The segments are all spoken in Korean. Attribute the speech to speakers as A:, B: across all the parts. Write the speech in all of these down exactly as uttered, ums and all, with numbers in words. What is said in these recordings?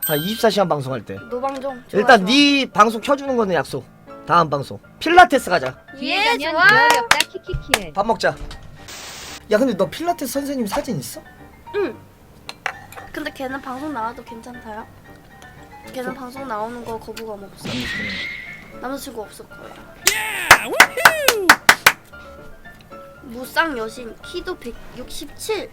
A: 다 이십사 시간 방송할 때.
B: 노방종. 좋아,
A: 일단
B: 좋아.
A: 네 방송 켜주는 거는 약속. 다음 방송 필라테스 가자.
B: 예, 좋아.
C: 어렵다 키키키에.
A: 밥 먹자. 야 근데 너 필라테스 선생님 사진 있어?
B: 응. 근데 걔는 방송 나와도 괜찮다요? 걔는 방송 나오는 거 거부감 없어. 남자친구 없을 거야. 무쌍 여신 키도 백육십칠.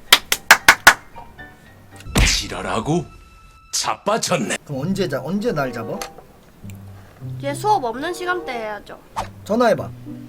D: 지랄하고 자빠졌네.
A: 그럼 언제 자? 언제 날 잡아?
B: 얘 수업 없는 시간대 해야죠.
A: 전화해봐.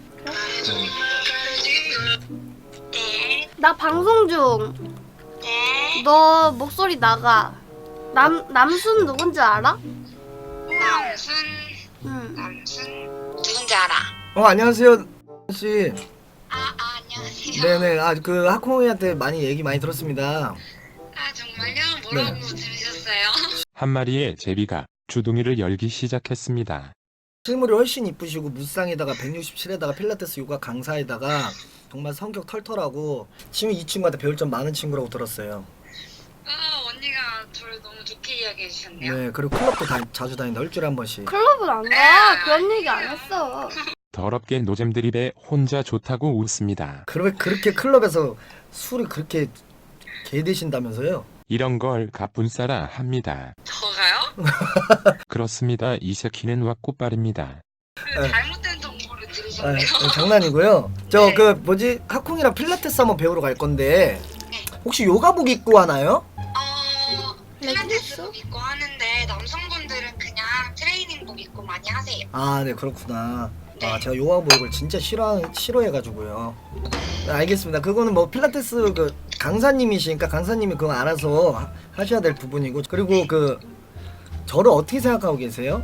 B: 나 방송 중. 너 목소리 나가. 남 남순 누군지 알아?
E: 남순
B: 응.
E: 남순 누군지 알아?
A: 어 안녕하세요 씨.
E: 아, 아 안녕하세요.
A: 네네. 아 그 하콩이한테 많이 얘기 많이 들었습니다.
E: 아 정말요? 뭐라고
A: 네.
E: 들으셨어요?
F: 한 마리의 제비가 주둥이를 열기 시작했습니다.
A: 실물이 훨씬 이쁘시고 무쌍에다가 백육십칠에다가 필라테스 요가 강사에다가 정말 성격 털털하고 지금 이 친구한테 배울 점 많은 친구라고 들었어요.
E: 아 언니가 저를 너무 좋게 이야기해 주셨네요.
A: 네 그리고 클럽도 다, 자주 다닌다. 일주일에 한 번씩.
B: 클럽은 안 가. 그런 얘기 안 했어.
F: 더럽게 노잼 드립에 혼자 좋다고 웃습니다.
A: 그러, 그렇게 클럽에서 술이 그렇게 개 드신다면서요?
F: 이런 걸 가뿐싸라 합니다.
E: 저가요?
F: 그렇습니다. 이 새끼는 왁구빨입니다.
E: 그
A: 네.
E: 잘못된 정보를
A: 아,
E: 들으셨네요.
A: 어, 장난이고요. 저
E: 네.
A: 그 뭐지 하콩이랑 필라테스 한번 배우러 갈 건데 혹시 요가복 입고 하나요?
E: 어 필라테스복 입고 하는데 남성분들은 그냥 트레이닝복 입고 많이 하세요.
A: 아 네 그렇구나.
E: 네.
A: 아 제가 요가복을 진짜 싫어 싫어해가지고요. 네, 알겠습니다. 그거는 뭐 필라테스 그 강사님이시니까 강사님이 그거 알아서 하, 하셔야 될 부분이고 그리고 그 저를 어떻게 생각하고 계세요?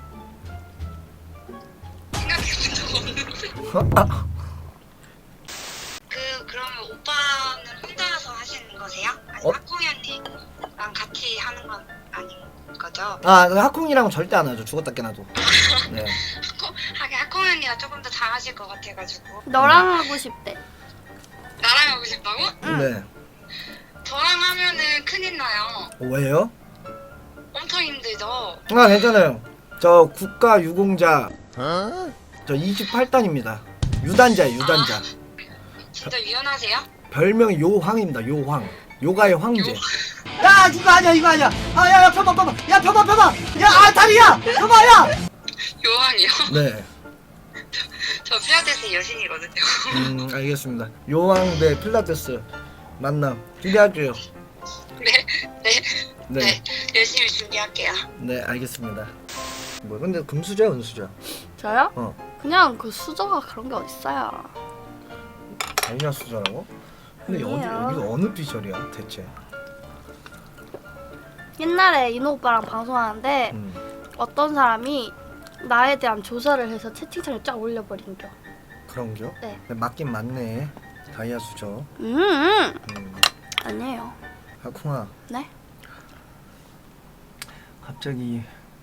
E: 생각해본 적 없는데.
A: 어? 아,
E: 그 그러면 오빠는 혼자서 하시는 거세요? 아니
A: 어?
E: 학콩이 언니랑 같이 하는 건 아닌 거죠?
A: 아 하콩이랑 절대 안 하죠. 죽었다 깨나도. 네.
E: 학콩 하긴 학콩이 언니가 조금 더 잘하실 것 같아가지고.
B: 너랑 하고 싶대.
E: 나랑 하고 싶다고?
B: 응.
A: 네.
E: 저랑 하면은 큰일 나요.
A: 어, 왜요?
E: 엄청 힘들죠.
A: 아 괜찮아요. 저 국가 유공자 저 이십팔 단입니다. 유단자예요 유단자.
E: 진짜 유연하세요?
A: 별명이 요황입니다. 요황. 요가의 황제. 야 이거 아니야 이거 아니야. 아야야 펴봐 펴봐. 야 펴봐 펴봐. 야아 다리야. 펴봐 야.
E: 요한이요?
A: 네.
E: 저 필라테스 여신이거든요.
A: 음 알겠습니다. 요황 대 필라테스 만남 기대할게요.
E: 네, 네,
A: 네.
E: 네, 열심히 준비할게요.
A: 네 알겠습니다. 뭐 근데 금수저야 은수저?
B: 저요?
A: 어.
B: 그냥 그 수저가 그런 게 어딨어요.
A: 다이아 수저라고? 근데 어디
B: 아니에요.
A: 여기가 어느 피셜이야 대체?
B: 옛날에 이노 오빠랑 방송하는데
A: 음
B: 어떤 사람이 나에 대한 조사를 해서 채팅창에 쫙 올려버린겨.
A: 그런겨?
B: 네.
A: 맞긴 맞네. 다이아 수저.
B: 음,
A: 음.
B: 아니에요.
A: 하콩아.
B: 네?
A: 갑자기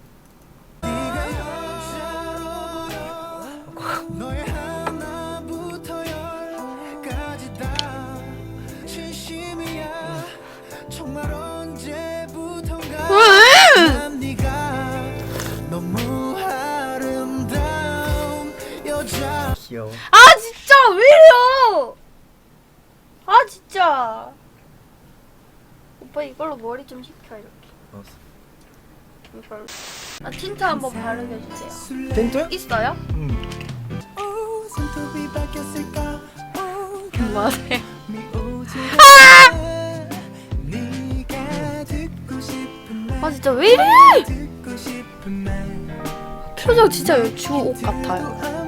G: 너의 하나부터 열까지 다 진심이야. 정말 언제부턴가 난 네가 너무 아름다운 여자.
A: 귀여워.
B: 아 진짜 왜 이래요? 아 진짜. 오빠 이걸로 머리 좀 식혀 이렇게.
A: 알았어.
B: 이걸로. 아 틴트 한번 바르게 해주세요.
A: 틴트?
B: 있어요?
A: 음.
G: 오, 손톱이 바뀌었을까? 오,
B: 뭐하세요?
G: 네가 듣고 싶은 말,
B: 아 진짜 왜 이래?
G: 듣고 싶은 말.
B: 표정 진짜 주옷 같아요.